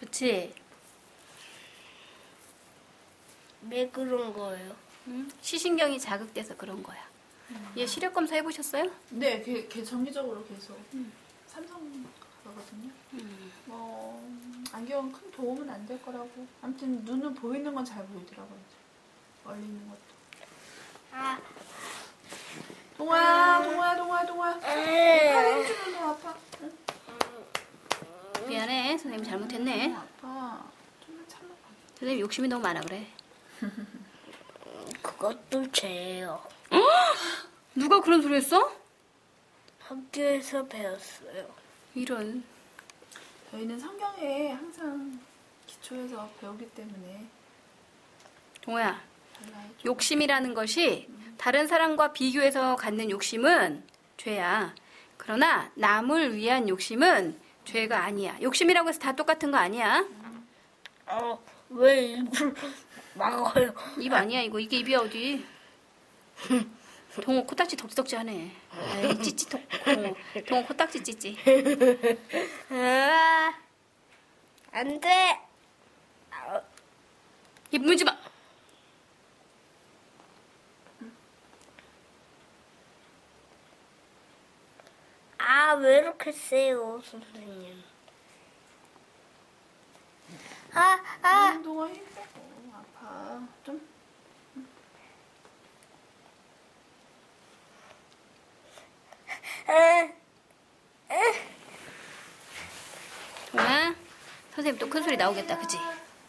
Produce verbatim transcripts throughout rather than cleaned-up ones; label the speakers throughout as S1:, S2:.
S1: 그치?
S2: 왜 그런 거예요?
S1: 응? 시신경이 자극돼서 그런 거야. 음. 얘 시력 검사 해보셨어요?
S3: 네, 걔, 걔 정기적으로 계속 음. 삼성 가거든요.
S1: 음.
S3: 뭐 안경은 큰 도움은 안 될 거라고. 아무튼 눈은 보이는 건 잘 보이더라고요. 얼리는 것도.
S2: 아,
S3: 동아야, 동아야, 동아야, 동아야. 팔 힘주면 더 아파. 응?
S1: 미안해. 선생님이 잘못했네.
S3: 어, 아파. 좀만 참아봐.
S1: 선생님 욕심이 너무 많아 그래.
S2: 그것도 죄예요.
S1: 누가 그런 소리 했어?
S2: 학교에서 배웠어요.
S1: 이런.
S3: 저희는 성경에 항상 기초에서 배우기 때문에
S1: 동호야,
S3: 달라요.
S1: 욕심이라는 것이 다른 사람과 비교해서 갖는 욕심은 죄야. 그러나 남을 위한 욕심은 죄가 아니야. 욕심이라고 해서 다 똑같은 거 아니야.
S2: 어, 왜 입을 막아요?
S1: 입 아니야 이거. 이게 입이야 어디. 동호 코딱지 덕지덕지 하네. 아이 찌찌 동, 동호. 동호 코딱지 찌찌.
S2: 아, 안 돼. 아,
S1: 입 물지 마.
S2: 아, 왜 이렇게 세요, 선생님? 아, 아.
S3: 응, 동아 힘들어. 아파. 좀.
S1: 동호야, 선생님 또 큰 소리 나오겠다 그치?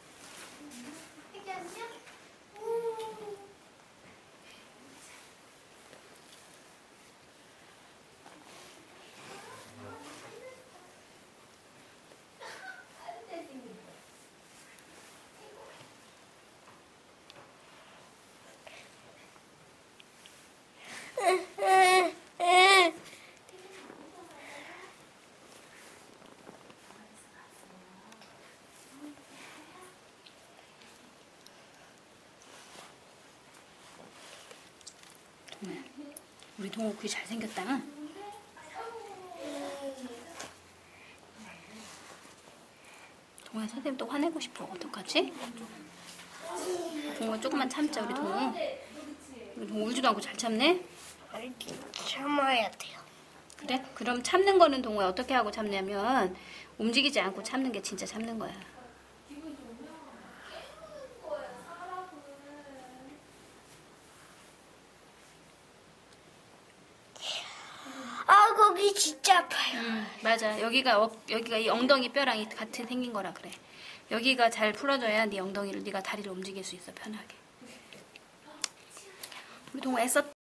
S1: 우리 동호 귀 잘생겼다. 동호야 선생님 또 화내고 싶어. 어떡하지? 동호 조금만 참자 우리 동호. 우리 동호 울지도 않고 잘 참네?
S2: 참아야 돼요.
S1: 그래? 그럼 참는 거는 동호야 어떻게 하고 참냐면 움직이지 않고 참는 게 진짜 참는 거야.
S2: 아, 거기 진짜 아파요.
S1: 음, 맞아. 여기가 어, 여기가 이 엉덩이 뼈랑 같이 생긴 거라 그래. 여기가 잘 풀어져야 네 엉덩이를 네가 다리를 움직일 수 있어 편하게. 우리 동호 애썼.